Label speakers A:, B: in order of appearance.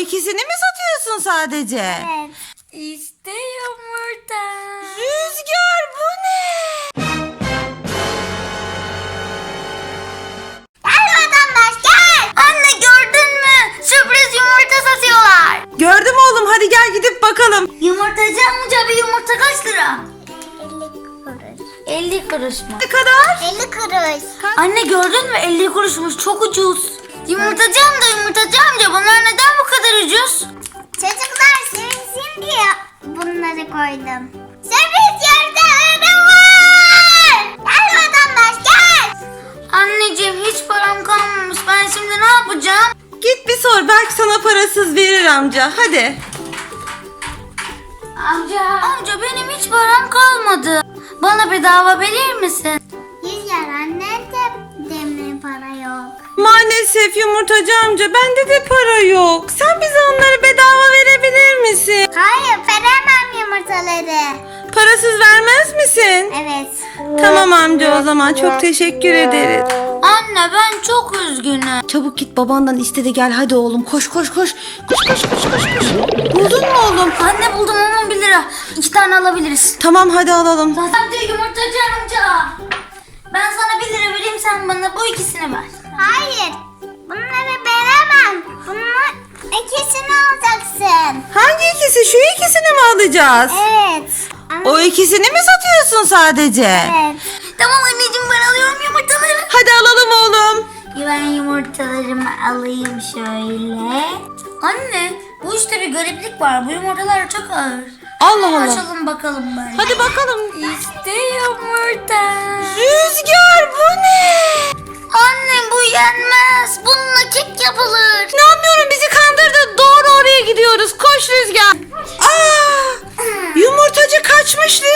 A: ikisini mi satıyorsun sadece?
B: Evet.
C: İşte yumurta.
A: Rüzgar bu ne?
B: Gel vatandaş gel.
C: Anne gördün mü? Sürpriz yumurta satıyorlar.
A: Gördüm oğlum, hadi gel gidip bakalım.
C: Yumurtacı amca bir yumurta kaç lira?
B: 50 kuruş.
C: 50 kuruş mu?
A: Ne kadar?
B: 50 kuruş.
C: Anne gördün mü? 50 kuruşmuş, çok ucuz. Yumurtacı amca bunlar neden bu kadar ucuz?
B: Çocuklar sevinsin diye bunları koydum. Sürpriz yumurtalarım var. Gel vatandaş gel.
C: Anneciğim hiç param kalmamış, ben şimdi ne yapacağım?
A: Git bir sor, belki sana parasız verir amca. Hadi.
C: Amca benim hiç param kalmadı. Bana bedava verir misin?
B: Rüzgar annen de demir para yok.
A: Maalesef yumurtacı amca, bende de para yok. Sen bize onları bedava verebilir misin?
B: Hayır veremem yumurtaları.
A: Parasız vermez misin?
B: Evet.
A: Tamam amca, o zaman çok teşekkür ederiz.
C: Anne ben çok üzgünüm.
A: Çabuk git babandan iste de gel, hadi oğlum, koş koş koş. Koş. Buldun mu oğlum?
C: Anne buldum, 11 lira. 2 tane alabiliriz.
A: Tamam, hadi alalım.
C: Amca yumurtacı amca. Ben sana 1 lira vereyim, sen bana bu ikisini ver.
B: Hayır. Bunları veremem. Bunun ikisini alacaksın.
A: Hangi ikisi? Şu ikisini mi alacağız?
B: Evet.
A: O ikisini mi satıyorsun sadece?
B: Evet.
C: Tamam anneciğim, ben alıyorum yumurtaları.
A: Hadi alalım oğlum.
C: Ben yumurtalarımı alayım şöyle. Anne bu işte bir gariplik var. Bu yumurtalar çok ağır.
A: Allah Allah.
C: Açalım bakalım ben.
A: Hadi bakalım.
C: İşte yumurta.
A: Rüzgar bu ne?
C: Anne bu yenmez. Bununla kek yapılır.
A: İnanmıyorum, bizi kandırdı. Doğru oraya gidiyoruz. Koş Rüzgar. Aa! Yumurtacı kaçmış